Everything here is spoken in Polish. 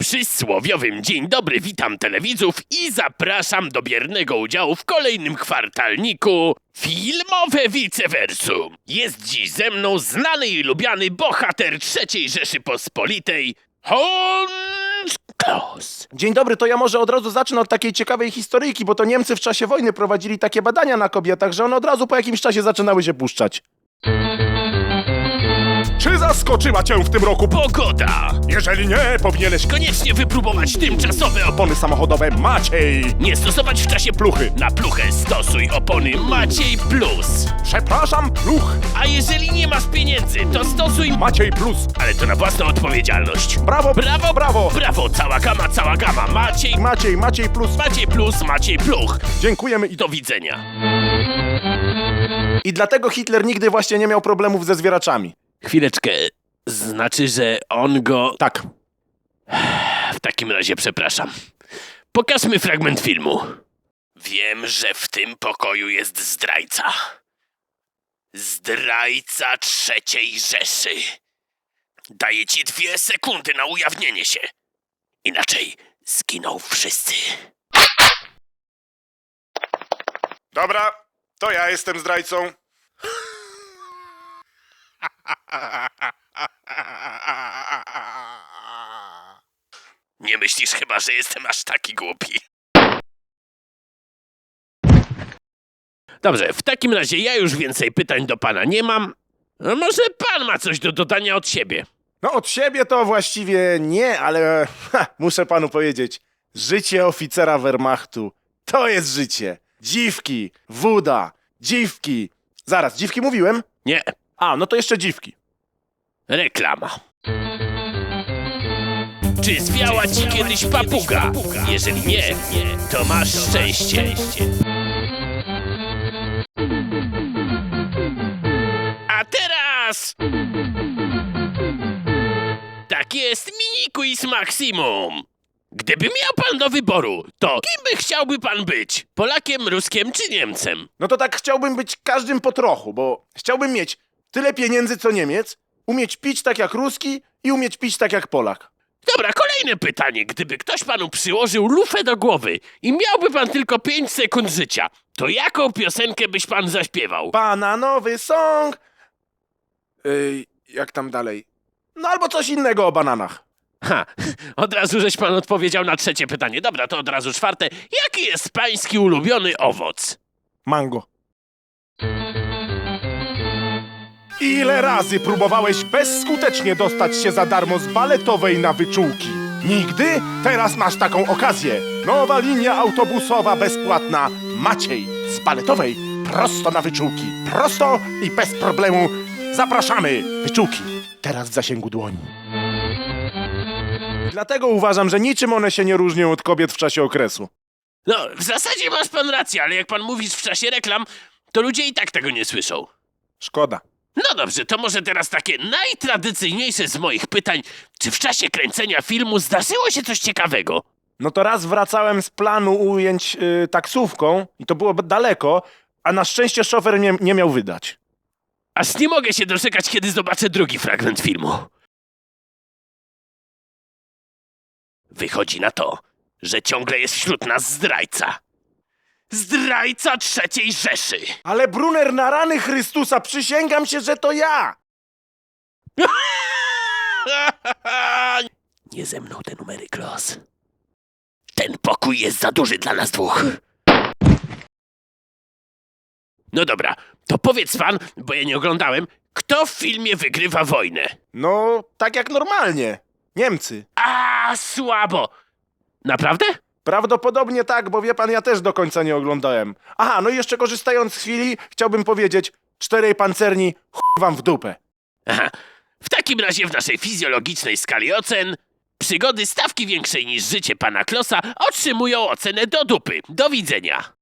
przysłowiowym dzień dobry, witam telewidzów i zapraszam do biernego udziału w kolejnym kwartalniku Filmowe Viceversum. Jest dziś ze mną znany i lubiany bohater III Rzeczypospolitej, Hans Kloss. Dzień dobry, to ja może od razu zacznę od takiej ciekawej historyjki, bo to Niemcy w czasie wojny prowadzili takie badania na kobietach, że one od razu po jakimś czasie zaczynały się puszczać. Czy zaskoczyła cię w tym roku? Pogoda! Jeżeli nie, powinieneś Koniecznie wypróbować tymczasowe opony. opony samochodowe Maciej. Nie stosować w czasie Pluchy. Na pluchę stosuj opony Maciej Plus. Przepraszam, pluch. A jeżeli nie masz pieniędzy, to stosuj Maciej Plus. ale to na własną odpowiedzialność. Brawo, Brawo, brawo. brawo, cała gama, Maciej Maciej Plus. Plus, Maciej Pluch. Dziękujemy i Do widzenia. I dlatego Hitler nigdy właśnie nie miał problemów ze zwieraczami. Chwileczkę, znaczy, że on go... Tak. W takim razie przepraszam. Pokażmy fragment filmu. Wiem, że w tym pokoju jest zdrajca. Zdrajca III Rzeszy. Daję ci 2 sekundy na ujawnienie się. Inaczej zginą wszyscy. Dobra, to ja jestem zdrajcą. Nie myślisz chyba, że jestem aż taki głupi. Dobrze, w takim razie ja już więcej pytań do pana nie mam. No może pan ma coś do dodania od siebie? No od siebie to właściwie nie, ale muszę panu powiedzieć, życie oficera Wehrmachtu to jest życie. Dziwki, woda, dziwki. Zaraz, dziwki mówiłem? Nie, A, no to jeszcze dziwki. reklama. Czy zwiała ci kiedyś papuga? Jeżeli nie, to masz szczęście. A teraz... Tak jest, mini quiz Maximum. Gdyby miał pan do wyboru, to kim by chciałby pan być? Polakiem, Ruskiem czy Niemcem? No to tak chciałbym być każdym po trochu, bo chciałbym mieć tyle pieniędzy co Niemiec, umieć pić tak jak Ruski i umieć pić tak jak Polak. Dobra, kolejne pytanie. Gdyby ktoś panu przyłożył lufę do głowy i miałby pan tylko 5 sekund życia, to jaką piosenkę byś pan zaśpiewał? Bananowy song. Jak tam dalej? No albo coś innego o bananach. Ha, od razu żeś pan odpowiedział na 3 pytanie. Dobra, to od razu 4. Jaki jest pański ulubiony owoc? Mango. Ile razy próbowałeś bezskutecznie dostać się za darmo z baletowej na wyczółki? Nigdy? Teraz masz taką okazję. Nowa linia autobusowa bezpłatna Maciej z baletowej prosto na wyczółki. Prosto i bez problemu. Zapraszamy! Wyczółki. Teraz w zasięgu dłoni. Dlatego uważam, że niczym one się nie różnią od kobiet w czasie okresu. No, w zasadzie masz pan rację, ale jak pan mówisz w czasie reklam, to ludzie i tak tego nie słyszą. Szkoda. No dobrze, to może teraz takie najtradycyjniejsze z moich pytań. Czy w czasie kręcenia filmu zdarzyło się coś ciekawego? No to raz wracałem z planu ujęć taksówką i to było daleko, a na szczęście szofer nie miał wydać. Aż nie mogę się doczekać, kiedy zobaczę drugi fragment filmu. Wychodzi na to, że ciągle jest wśród nas zdrajca. Zdrajca III Rzeszy. Ale Brunner, na rany Chrystusa, przysięgam się, że to ja! Nie ze mną te numery, Kloss. Ten pokój jest za duży dla nas dwóch. No dobra, to powiedz pan, bo ja nie oglądałem, kto w filmie wygrywa wojnę? No, tak jak normalnie. Niemcy. A, słabo. Naprawdę? Prawdopodobnie tak, bo wie pan, ja też do końca nie oglądałem. Aha, no i jeszcze korzystając z chwili, chciałbym powiedzieć, 4 pancerni, chuj wam w dupę. Aha. W takim razie w naszej fizjologicznej skali ocen przygody stawki większej niż życie pana Klossa otrzymują ocenę do dupy. Do widzenia.